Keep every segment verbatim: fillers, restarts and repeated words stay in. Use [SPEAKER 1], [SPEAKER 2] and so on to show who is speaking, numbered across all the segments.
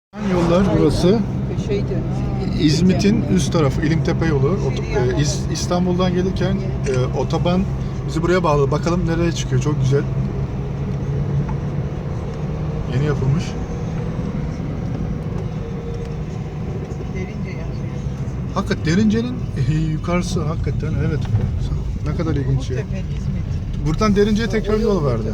[SPEAKER 1] Yollar burası. İzmit'in üst tarafı İlimtepe yolu. Ot- e, İz- İstanbul'dan gelirken e, otoban bizi buraya bağladı. Bakalım nereye çıkıyor. Çok güzel. Yeni yapılmış.
[SPEAKER 2] Derince yazıyor.
[SPEAKER 1] Hakikaten Derince'nin e, yukarısı hakikaten evet. Ne kadar ilginç ya.
[SPEAKER 2] Umuttepe, İzmit.
[SPEAKER 1] Buradan Derince'ye tekrar yol verdi.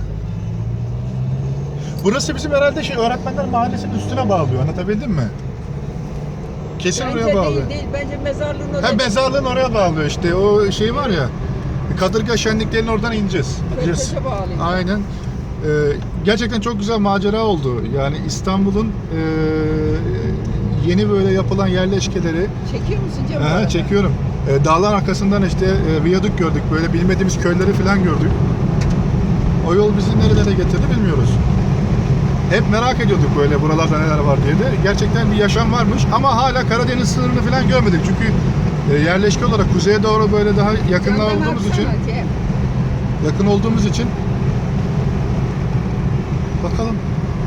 [SPEAKER 1] Burası bizim herhalde şey Öğretmenler Mahallesi'nin üstüne bağlıyor. Anlatabildim mi? Kesin
[SPEAKER 2] Bence
[SPEAKER 1] oraya bağlı.
[SPEAKER 2] değil değil. Bence mezarlığın oraya.
[SPEAKER 1] Hem mezarlığın oraya bağlıyor işte. O şey var ya. Kadırga şenliklerinin oradan ineceğiz.
[SPEAKER 2] Körfez'e bağlıyor.
[SPEAKER 1] Aynen. Ee, gerçekten çok güzel macera oldu. Yani İstanbul'un e, yeni böyle yapılan yerleşkeleri
[SPEAKER 2] Çekiyor musun Cem?
[SPEAKER 1] Aha,
[SPEAKER 2] arada?
[SPEAKER 1] çekiyorum. Ee, dağlar arkasından işte e, viyadük gördük. Böyle bilmediğimiz köyleri falan gördük. O yol bizi nerelere getirdi bilmiyoruz. Hep merak ediyorduk böyle buralarda neler var diye de. Gerçekten bir yaşam varmış ama hala Karadeniz sınırını falan görmedik. Çünkü e, yerleşke olarak kuzeye doğru böyle daha yakınlar
[SPEAKER 2] Camdan
[SPEAKER 1] olduğumuz için
[SPEAKER 2] atsana Cem.
[SPEAKER 1] yakın olduğumuz için bakalım.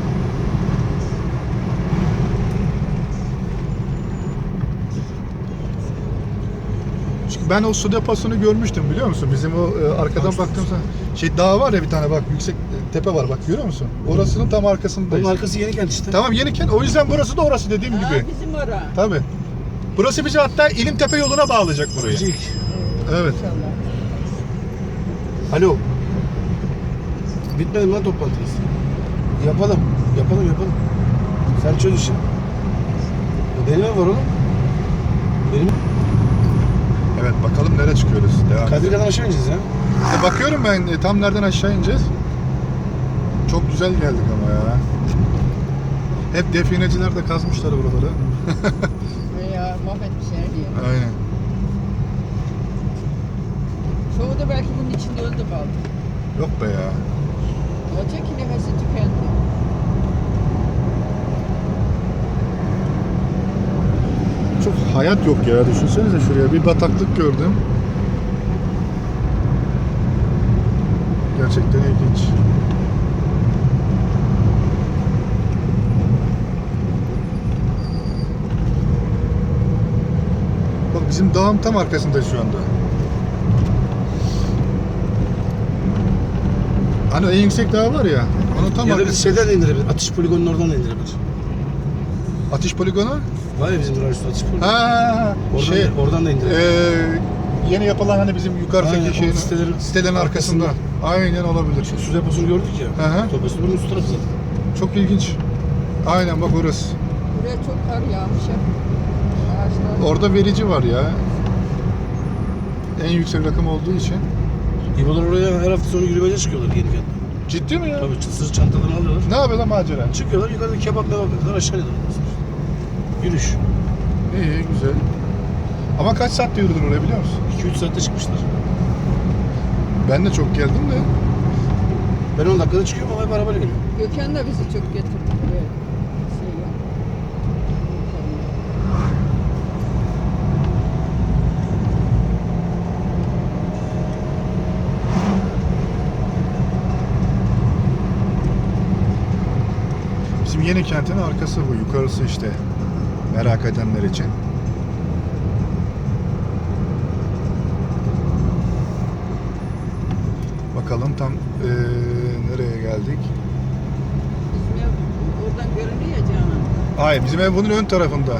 [SPEAKER 1] Çünkü ben o su deposunu görmüştüm biliyor musun? Bizim o e, arkadan baktığımızda şey dağ var ya bir tane bak yüksek e, tepe var bak görüyor musun? Orasının tam arkasındayız.
[SPEAKER 3] Onun arkası Yenikent işte.
[SPEAKER 1] Tamam Yenikent. O yüzden burası da orası dediğim
[SPEAKER 2] Aa,
[SPEAKER 1] gibi.
[SPEAKER 2] bizim ara.
[SPEAKER 1] Tabii. Burası bizi hatta İlimtepe yoluna bağlayacak burayı.
[SPEAKER 3] İlk.
[SPEAKER 1] Evet.
[SPEAKER 2] İnşallah.
[SPEAKER 3] Alo. Bitmedi mi lan toplantınız? Yapalım. Yapalım yapalım. Sen çöz işi. Benim ev var oğlum. Benim
[SPEAKER 1] Evet bakalım nereye çıkıyoruz. Devam edelim.
[SPEAKER 3] Kadirga'dan aşağı ineceğiz ya.
[SPEAKER 1] E, bakıyorum ben e, tam nereden aşağı ineceğiz. Çok güzel geldik ama ya. Hep defineciler de kazmışlar buraları.
[SPEAKER 2] Ya mahvetmişler diye.
[SPEAKER 1] Aynen.
[SPEAKER 2] Çoğu da belki bunun içinde öldü kaldı.
[SPEAKER 1] Yok be ya.
[SPEAKER 2] Olacak ki nefesi tükendi.
[SPEAKER 1] Çok hayat yok ya. Düşünsenize şuraya bir bataklık gördüm. Gerçekten ilginç. Bak bizim dağın tam arkasındayız şu anda. Hani en yüksek dağ var ya, onun tam
[SPEAKER 3] Ya da biz
[SPEAKER 1] arkasında.
[SPEAKER 3] şeyden de indirebilir. Atış poligonunun oradan da indirebilir.
[SPEAKER 1] Atış poligonu?
[SPEAKER 3] Var ya bizim duran üstü atış poligonu.
[SPEAKER 1] Ha,
[SPEAKER 3] Oradan,
[SPEAKER 1] şey,
[SPEAKER 3] da, oradan da indirebilir.
[SPEAKER 1] Eee yeni yapılan hani bizim yukarıdaki
[SPEAKER 3] Aynen, o
[SPEAKER 1] şeyin
[SPEAKER 3] sitelerin
[SPEAKER 1] sitelerin arkasında.
[SPEAKER 3] arkasında.
[SPEAKER 1] Aynen olabilir.
[SPEAKER 3] Şu su deposunu gördük ya.
[SPEAKER 1] Hı hı.
[SPEAKER 3] Su deposu bunun üst tarafı zaten.
[SPEAKER 1] Çok ilginç. Aynen bak orası.
[SPEAKER 2] Buraya çok kar yağmış ya. Ağaçlar.
[SPEAKER 1] Orada verici var ya. En yüksek rakım olduğu için.
[SPEAKER 3] İbolar oraya her hafta sonu yürümece çıkıyorlar Yenikent'te.
[SPEAKER 1] Ciddi mi ya?
[SPEAKER 3] Tabii sırt çantalarını alıyorlar.
[SPEAKER 1] Ne yapıyor lan macera?
[SPEAKER 3] Çıkıyorlar yukarıda kebap mebap yapıyorlar aşağı iniyorlar. Yürüyüş.
[SPEAKER 1] İyi güzel. Ama kaç saatte yürüdün oraya biliyor musun?
[SPEAKER 3] iki üç saatte çıkmışlar.
[SPEAKER 1] Ben de çok geldim de.
[SPEAKER 3] Ben on dakikada çıkıyorum ama hep arabayla geliyorum.
[SPEAKER 2] Gökhan da bizi çok getirdi buraya. Şey ya.
[SPEAKER 1] Bizim yeni kentin arkası bu. Yukarısı işte. Merak edenler için. Bakalım tam eee, nereye geldik?
[SPEAKER 2] Bizim ev oradan görünüyor ya Canan.
[SPEAKER 1] Hayır bizim ev bunun ön tarafında.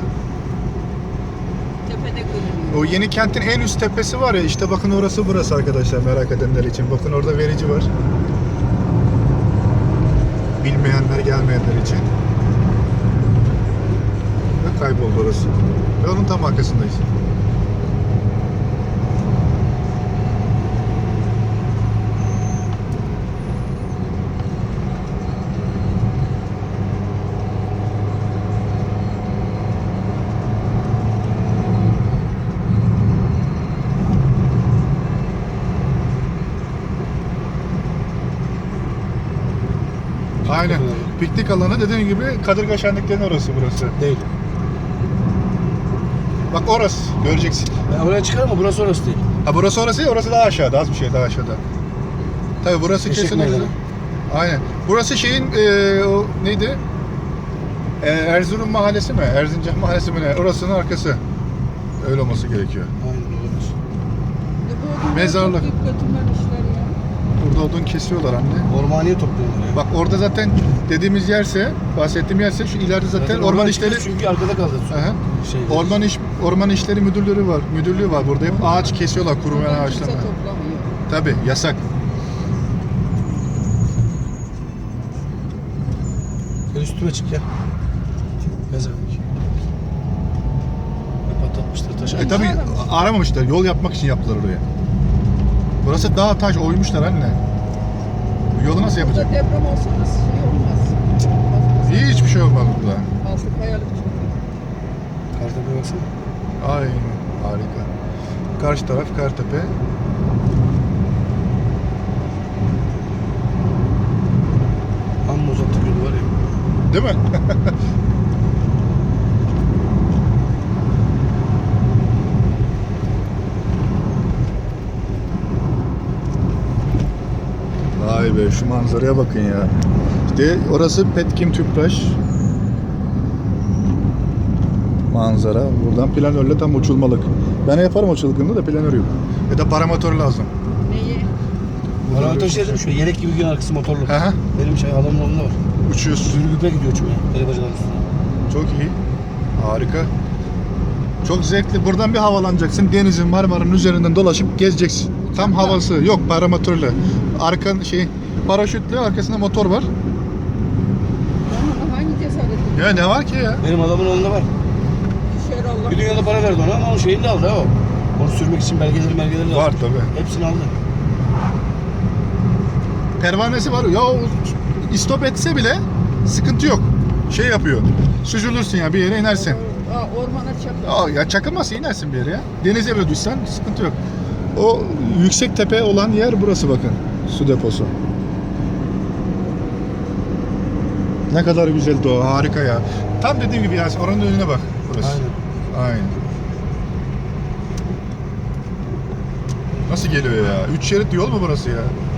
[SPEAKER 2] Tepede görünüyor.
[SPEAKER 1] O yeni kentin en üst tepesi var ya işte bakın orası burası arkadaşlar merak edenler için. Bakın orada verici var. Bilmeyenler gelmeyenler için. Ve kayboldu orası. Ve onun tam arkasındayız. Aynen. Piknik alanı dediğim gibi Kadırga Şenliklerinin orası burası.
[SPEAKER 3] Değil.
[SPEAKER 1] Bak orası göreceksin.
[SPEAKER 3] Ben oraya çıkarım ama burası orası değil.
[SPEAKER 1] Ha burası orası ya orası daha aşağıda az bir şey daha aşağıda. Tabii burası
[SPEAKER 3] Eşek
[SPEAKER 1] kesinlikle.
[SPEAKER 3] meydanı.
[SPEAKER 1] Aynen. Burası şeyin eee o neydi? e, Erzurum mahallesi mi? Erzincan mahallesi mi ne? Orasının arkası. Öyle olması gerekiyor.
[SPEAKER 3] Aynen olabilir.
[SPEAKER 2] Ya bu odunlar
[SPEAKER 1] Mezarlık.
[SPEAKER 2] toplayıp götürmen işler ya.
[SPEAKER 1] Burada odun kesiyorlar anne.
[SPEAKER 3] Ormaniye topluyorlar ya.
[SPEAKER 1] Bak orada zaten dediğimiz yerse, bahsettiğim yerse şu ileride zaten, orman işleri
[SPEAKER 3] Çünkü arkada kaldı.
[SPEAKER 1] Aha.
[SPEAKER 3] Şey,
[SPEAKER 1] Orman iş Orman işleri müdürlüğü var. Müdürlüğü var. Burada hep ağaç kesiyorlar, kurumayan
[SPEAKER 2] Oradan
[SPEAKER 1] ağaçlar.
[SPEAKER 2] kimse toplamıyor.
[SPEAKER 1] Tabii yasak.
[SPEAKER 3] Gel üstüme çık ya. Mezarlık. Patlatmışlar taşı.
[SPEAKER 1] E tabii aramamışlar. Yol yapmak için yaptılar oraya. Burası dağ taş oymuşlar anne. Bu yolu nasıl yapacak?
[SPEAKER 2] Burada deprem olsa da şey olmaz. Fazlası.
[SPEAKER 1] Hiçbir şey olmaz burada.
[SPEAKER 2] Altı kayalık çünkü.
[SPEAKER 3] Kartepe baksana.
[SPEAKER 1] Aynen. Harika. Karşı taraf Kartepe.
[SPEAKER 3] Amma uzattık yolu var ya.
[SPEAKER 1] Değil mi? Vay be şu manzaraya bakın ya. İşte orası Petkim Tüpraş. Manzara. Buradan planörle tam uçulmalık. Ben yaparım o çılgınlığı da planör yok. Ya da paramotor lazım.
[SPEAKER 2] Neyi?
[SPEAKER 3] Paramotor şey dedim şu yelek gibi gün arkası motorlu.
[SPEAKER 1] Hı hı.
[SPEAKER 3] Benim şey adamın oğlunda var.
[SPEAKER 1] Uçuyorsun.
[SPEAKER 3] Sürgüpe gidiyor uçmaya. Telebacaların üstüne.
[SPEAKER 1] Çok iyi. Harika. Çok zevkli. Buradan bir havalanacaksın. Denizin, Marmara'nın üzerinden dolaşıp gezeceksin. Tam havası. Yok paramotorla. Arka şey paraşütle arkasında motor var.
[SPEAKER 2] Ama hangi cesaretle?
[SPEAKER 1] Ya ne var ki ya?
[SPEAKER 3] Benim adamın oğlunda var.
[SPEAKER 2] Düşer Allah.
[SPEAKER 3] Bir dünyada para verdi ona ama onun şeyini de aldı ha o. Onu sürmek için belgeleri belgeleri
[SPEAKER 1] Var
[SPEAKER 3] lazım.
[SPEAKER 1] tabii.
[SPEAKER 3] Hepsini aldı.
[SPEAKER 1] Pervanesi var. Ya o istop etse bile sıkıntı yok. Şey yapıyor. Süzülürsün ya bir yere inersin.
[SPEAKER 2] Aa, ormana çakar.
[SPEAKER 1] Aa, ya çakılmazsa inersin bir yere ya. Denize bile düşsen sıkıntı yok. O yüksek tepe olan yer burası bakın. Su deposu. Ne kadar güzel doğa, harika ya. Tam dediğim gibi Yasin, oranın önüne bak burası.
[SPEAKER 3] Aynen.
[SPEAKER 1] Aynen. Nasıl geliyor ya? Üç şerit yol mu burası ya?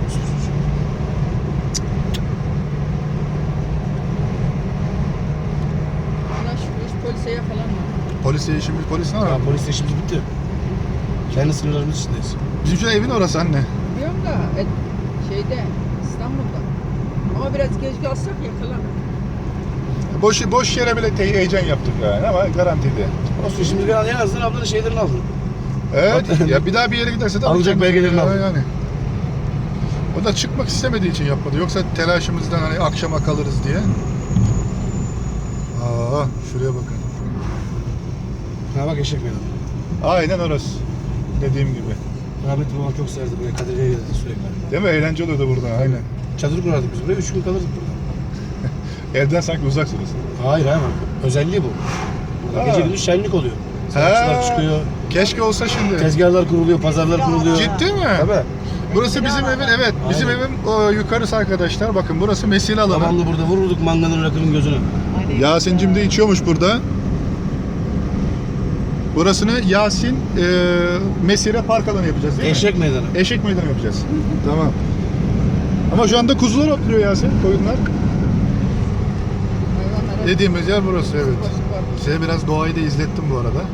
[SPEAKER 2] Allah şükür hiç polise yakalanma.
[SPEAKER 1] Polise işimiz, polis ne var?
[SPEAKER 3] Ya polis işimiz bitti. Kendi sınırlarımız içindeyiz.
[SPEAKER 1] Bizim şu evin orası anne.
[SPEAKER 2] Biliyorum da et, şeyde İstanbul'da. Ama biraz geç kalsak yakalanır.
[SPEAKER 1] Boş, boş yere bile te- heyecan yaptık yani ama garantiydi.
[SPEAKER 3] Olsun şimdi ben en azından ablanın şeylerini aldım.
[SPEAKER 1] Evet, ya bir daha bir yere giderse de
[SPEAKER 3] Alacak belgelerini
[SPEAKER 1] Ya
[SPEAKER 3] aldı.
[SPEAKER 1] Yani. O da çıkmak istemediği için yapmadı. Yoksa telaşımızdan hani akşama kalırız diye. Aa, şuraya bakın.
[SPEAKER 3] Ha bak eşek meydanı.
[SPEAKER 1] Aynen orası. Dediğim gibi.
[SPEAKER 3] Rahmetli babam çok severdi buraya. Kadirli'ye gelirdi sürekli.
[SPEAKER 1] Değil mi? Eğlence oluyordu burada. Aynen.
[SPEAKER 3] Çadır kurardık biz buraya. Üç gün kalırdık burada.
[SPEAKER 1] Evden sanki uzaksınız.
[SPEAKER 3] Hayır hayır. Özelliği bu. Burada
[SPEAKER 1] Ha.
[SPEAKER 3] gece gündüz şenlik oluyor. Sanatçılar
[SPEAKER 1] Ha.
[SPEAKER 3] çıkıyor.
[SPEAKER 1] Keşke olsa şimdi.
[SPEAKER 3] Tezgahlar kuruluyor, pazarlar kuruluyor.
[SPEAKER 1] Ciddi mi?
[SPEAKER 3] Tabii.
[SPEAKER 1] Burası bizim evin, evet. Bizim
[SPEAKER 3] Aynen.
[SPEAKER 1] evin o, yukarısı arkadaşlar. Bakın burası mesire alanı.
[SPEAKER 3] Babamla burada vururduk manganın rakının gözüne.
[SPEAKER 1] Yasin'cim de içiyormuş burada. Burasını Yasin e, mesire park alanı yapacağız değil mi?
[SPEAKER 3] Eşek meydanı.
[SPEAKER 1] Eşek meydanı yapacağız. Tamam. Ama şu anda kuzular otluyor Yasin, koyunlar.
[SPEAKER 2] Hayvanlara
[SPEAKER 1] Dediğimiz yer burası, evet.
[SPEAKER 2] başı var.
[SPEAKER 1] Size biraz doğayı da izlettim bu arada.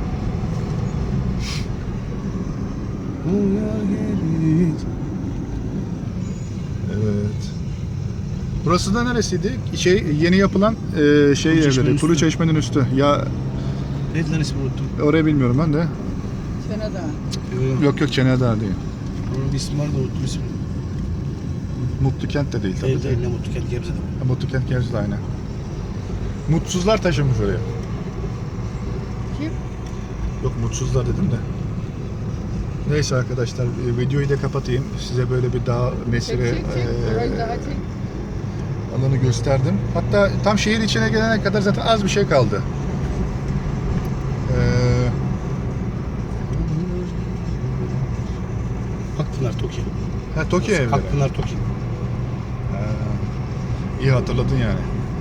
[SPEAKER 1] Evet. Burası da neresiydi? Şey yeni yapılan e, şey
[SPEAKER 3] Kulu Çeşme'nin
[SPEAKER 1] evleri. Kulu
[SPEAKER 3] üstü.
[SPEAKER 1] Çeşme'nin üstü. Ya
[SPEAKER 3] Neydi lan ismini unuttum.
[SPEAKER 1] orayı bilmiyorum ben de.
[SPEAKER 2] Çene Dağı.
[SPEAKER 3] Yok.
[SPEAKER 1] Yok yok Çenedağ değil.
[SPEAKER 3] Onun bir ismi var da unuttum ismini.
[SPEAKER 1] Mutlu Kent de değil tabii.
[SPEAKER 3] Değil değil ne mutlu kent Gebze'de.
[SPEAKER 1] Ha, Mutlu Kent Gebze'de aynen. Mutsuzlar taşınmış oraya.
[SPEAKER 2] Kim?
[SPEAKER 1] Yok mutsuzlar dedim de. Neyse arkadaşlar e, videoyu da kapatayım. Size böyle bir dağ mesire
[SPEAKER 2] Çek çek çek.
[SPEAKER 1] e,
[SPEAKER 2] Orayı daha çek.
[SPEAKER 1] alanı gösterdim. Hatta tam şehir içine gelene kadar zaten az bir şey kaldı. Ee,
[SPEAKER 3] Akpınar Toki.
[SPEAKER 1] ha Tokyo evleri.
[SPEAKER 3] Akpınar Toki.
[SPEAKER 1] Ha, iyi hatırladın yani.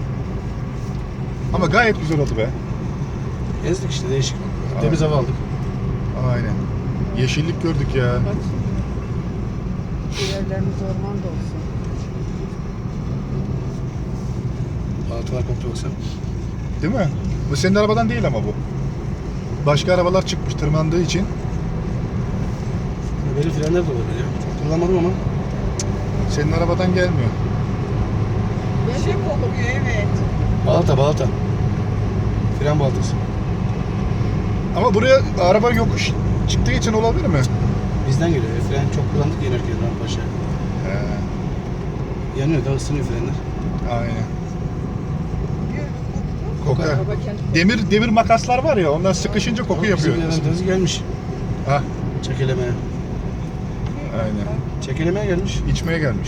[SPEAKER 1] Ama gayet güzel oldu be.
[SPEAKER 3] Gezdik işte değişik.
[SPEAKER 1] Aa.
[SPEAKER 3] Temiz hava aldık.
[SPEAKER 1] Aynen. Yeşillik gördük ya.
[SPEAKER 2] Bak şimdi. Evlerimiz ormanda olsun.
[SPEAKER 3] Altılar koptu baksana.
[SPEAKER 1] Değil mi? Bu senin arabadan değil ama bu. Başka arabalar çıkmış tırmandığı için.
[SPEAKER 3] Benim frenler de olabilir ya. Çok kullanmadım ama.
[SPEAKER 1] Senin arabadan gelmiyor.
[SPEAKER 2] Bir şey kokuyor evet.
[SPEAKER 3] Balata balata. Fren baltası.
[SPEAKER 1] Ama buraya araba yokuş çıktığı için olabilir mi?
[SPEAKER 3] Bizden geliyor. ya. Fren çok kullandık inerken Rampaşa.
[SPEAKER 1] He,
[SPEAKER 3] Yanıyor da ısınıyor frenler.
[SPEAKER 1] aynen. Kokar.
[SPEAKER 2] Araba kendi
[SPEAKER 1] Demir demir makaslar var ya, onlar sıkışınca koku yapıyor.
[SPEAKER 3] Bizim Levent'imiz gelmiş.
[SPEAKER 1] Ha,
[SPEAKER 3] Çekelemeye.
[SPEAKER 1] aynen.
[SPEAKER 3] Çekelemeye gelmiş.
[SPEAKER 1] İçmeye gelmiş.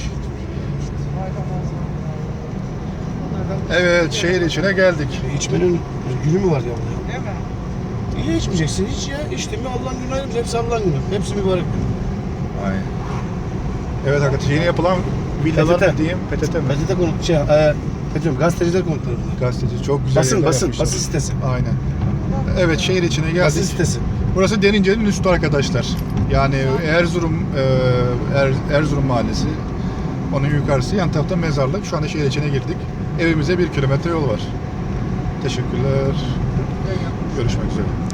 [SPEAKER 1] Evet, şehir içine geldik.
[SPEAKER 3] E, İçmenin günü mü var ya burada?
[SPEAKER 2] değil mi?
[SPEAKER 3] İyi içmeyeceksin hiç ya. İçtin mi Allah'ın günü ayrımız. Hepsi Allah'ın günü. Hepsi mübarek günü.
[SPEAKER 1] Aynen. Evet arkadaşlar, yeni yapılan villalar
[SPEAKER 3] P T T.
[SPEAKER 1] mı diyeyim, P T T mi?
[SPEAKER 3] P T T konut, şey, e, ne diyorum, gazeteciler konutları bunlar.
[SPEAKER 1] Gazeteci, çok güzel
[SPEAKER 3] Basın,
[SPEAKER 1] yerler
[SPEAKER 3] basın,
[SPEAKER 1] yapmışlar.
[SPEAKER 3] basın sitesi.
[SPEAKER 1] Aynen. Evet, şehir içine
[SPEAKER 3] Basın
[SPEAKER 1] geldik.
[SPEAKER 3] sitesi.
[SPEAKER 1] Burası Derince'nin üstü arkadaşlar. Yani Erzurum e, Er- Erzurum Mahallesi. Onun yukarısı, yan tarafta mezarlık. Şu anda şehir içine girdik. Evimize bir kilometre yol var. Teşekkürler. Görüşmek üzere.